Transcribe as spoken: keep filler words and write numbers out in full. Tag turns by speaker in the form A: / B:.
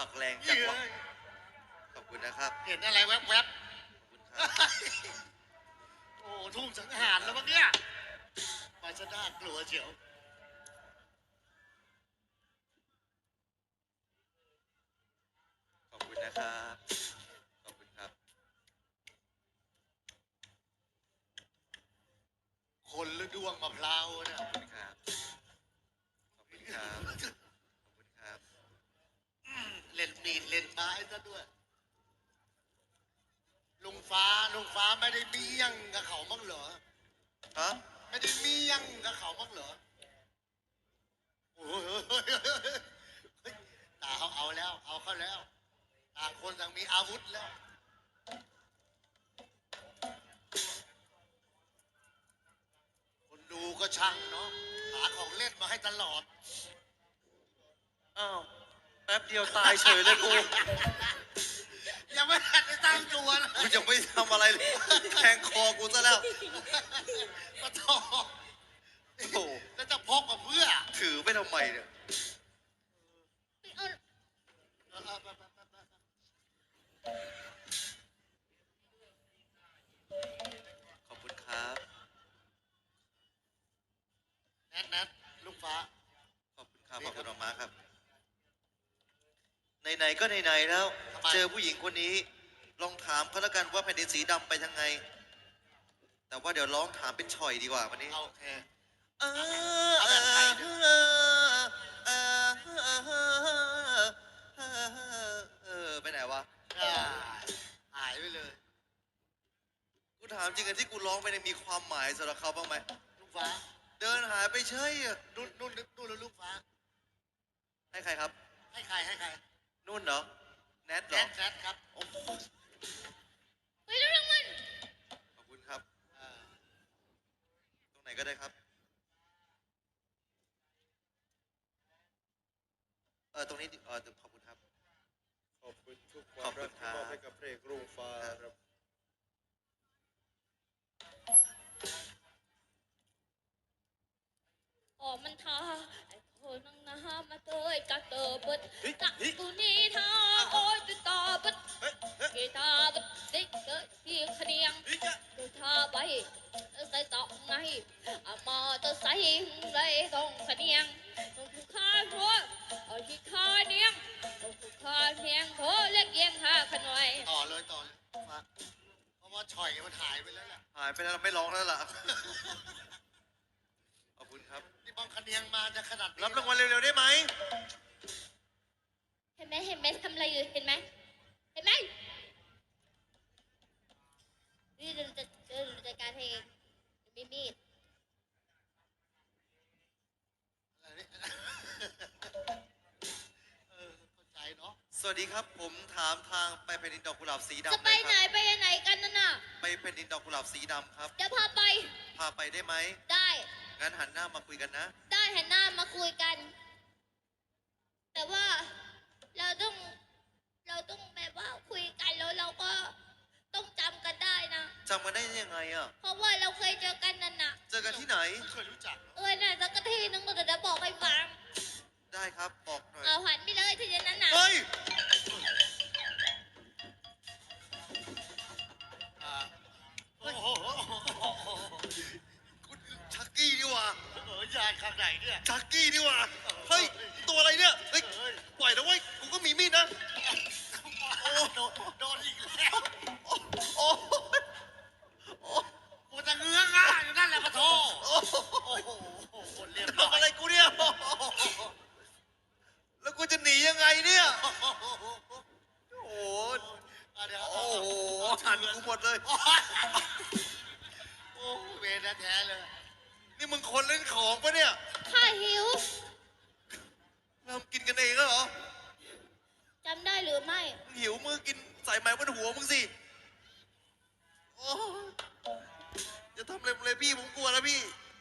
A: ผักแรงจังวะขอบคุณนะครับ
B: เห็นอะไรแวบๆ
A: ขอบคุณครับ
B: โอ้ทุ่งสังหารแล้วมั้งเนี่ยมาซะน่ากลัวเชียว
A: ขอบคุณนะครับขอบคุณครับ
B: คนหรือดวงมะพร้าวเนี่ย
A: ขอบคุณครับขอบคุณครับขอบคุณครับ
B: อืมเล่นมีดเล่นไม้ซะด้วยลุงฟ้าลุงฟ้าไม่ได้เบี้ยงกับเขาบ้างเหรอ
A: ฮะ
B: ไม่ได้เบี้ยงกับเขาบ้างเหรอโอ้ยตาเขาเอาแล้ว เอาเข้าแล้วต่างคนต่างมีอาวุธแล้วคนดูก็ช่างเนาะหาของเล่นมาให้ตลอด
A: อ้าวแป๊บเดียวตายเฉยเลยกู
B: ยังไม่ทันได้ตั้งตัวเลย
A: กูยังไม่ทำอะไรเลยแทงคอกูซะแล้ว
B: ปะทอ
A: โอ้โห
B: แล้วจะพกมาเพื่อ
A: ถือไปทำไมเนี่ย
B: เออเออไปไปไปไป
A: ขอบคุณครับ
B: แนทแนทลูกฟ้า
A: ขอบคุณครับขอบคุณมากๆครับไหนๆก็ไหนๆแล้ว เจอผู้หญิงคนนี้ ลองถามเขาแล้วกันว่าแผ่นดินสีดำไปทางไง แต่ว่าเดี๋ยวร้องถามเป็นฉ่อยดีกว่าวันนี้
B: เอาโอเค
A: เออเออเออเออเออไปไหนวะ
B: อ่าหายไปเลย
A: กูถามจริงกันที่กูร้องไปเนี่ยมีความหมายสำหรับเขาบ้างไหม
B: ลูกฟ้า
A: เดินหายไปเฉยอะ
B: นุ่นนุ่นนุ่นแล้วลูกฟ้า
A: ให้ใครครับ
B: ให้ใครให้ใคร
A: นุ่นเหรอ แนทเห
B: แน
A: รอ
B: ทแนทครับ
A: โอ้โห
C: ไปแล้วรางวัล
A: ขอบคุณครับ
B: อ่า
A: ตรงไหนก็ได้ครับ เออตรงนี้ดิเออขอบคุณครับ
D: ขอบคุณทุกความรักที่มอบให้กับเพลงรุ่งฟ้าครับ
C: ออกมันทาไอ้คนนั่งน้ำมาเตยกะเตอเบิดกะกูนี่ทาโอ้ยตุตาเบิดกีตาเบิดติ๊กเกอร์ที่ขเนียงดูทาไปใส่ต่อไงอะมาเตอใส่เลยต้องขเนียงต้องถูกข้าหัวเอาที่ข้าเนียงต้องถูกข้าเนียงโถเล็กเยียงหาขน่อย
B: ต่อเลยต่อเลยลูกฟ้าเพราะว่าฉ่อยมันหายไปแล้วแหละ
A: หายไปแล้วไม่ร้องแล้วล่ะ ขอบคุณครับ
B: นี่บางคะเนียงมาจะขนาดนี้
A: รับรางวัลเร็วๆได้ไหม
C: เห็นไหมเห็นไหมทำอะไรอยู่เห็นไหมเห็นไหมนี่เราจะเราจัดการให้เองมีมีด
B: อะไรเนี่ยเออเข้าใจเนาะ
A: สวัสดีครับ ผมถามทางไปแผ่นดินดอกกุหลาบสีดำ
C: จะไป
A: เลย
C: ไหน
A: ครับ
C: ไปไหนกันนั่นน่ะ
A: ไปแผ่นดินดอกกุหลาบสีดำครับ
C: จะพาไป
A: พาไปได้ไหม
C: ได้
A: งั้นหันหน้ามาคุยกันนะ
C: ได้หันหน้ามาคุยกัน แต่ว่าเราต้องเราต้องแบบว่าคุยกันแล้วเราก็ต้องจำกันได้นะ
A: จำกันได้ยังไงอ่ะ
C: เพราะว่าเราเคยเจอกันนั่นน่ะ
A: เจอกันที่ไหน
B: ไม่เคยรู้จักเนอะ
C: เออน่ะสักทีนึงก็จะบอกให้ฟัง
A: ได้ครับ บอกหน่อย
C: เอาหันไปเลยทีนั้นน่ะ
A: เฮ้ย
B: อ่าโอ้โห
A: คุณชักกี้นี่หว่า
B: เออยานข้างไหนเนี่ย
A: ชักกี้นี่หว่า เฮ้ย ตัวอะไรเนี่ย เฮ้ย
B: เฮ้ย
A: ปล่อยนะเว้ย กูก็มีมีดนะ
B: โอ้โดนโดนอีกแล้ว
A: โอ้โอ้โอ้
B: กูจะเงื้อง่าอยู่นั่นแหละปะโถ
A: โอ้
B: โอ้โหเรียบร้อย
A: ทำอะไรกูเนี่ย แล้วกูจะหนียังไงเนี่ย
B: โอ้โห
A: โอ้โห
B: อ่ะเดี๋ยว
A: โอ้โหหันกูหมดเลย
B: โอ้ยโอ้เวรแท้ๆเลย
A: นี่มึงคนเล่นของปะเนี่ย
C: ข้าหิว
A: ทำกินกันเองแล้วเหรอ
C: จำได้หรือไม่
A: มึงหิวมือกินใส่ไม้บนหัวมึงสิโอ้จะทำอะไรมึงเลยพี่ผมกลัวแล้วพี่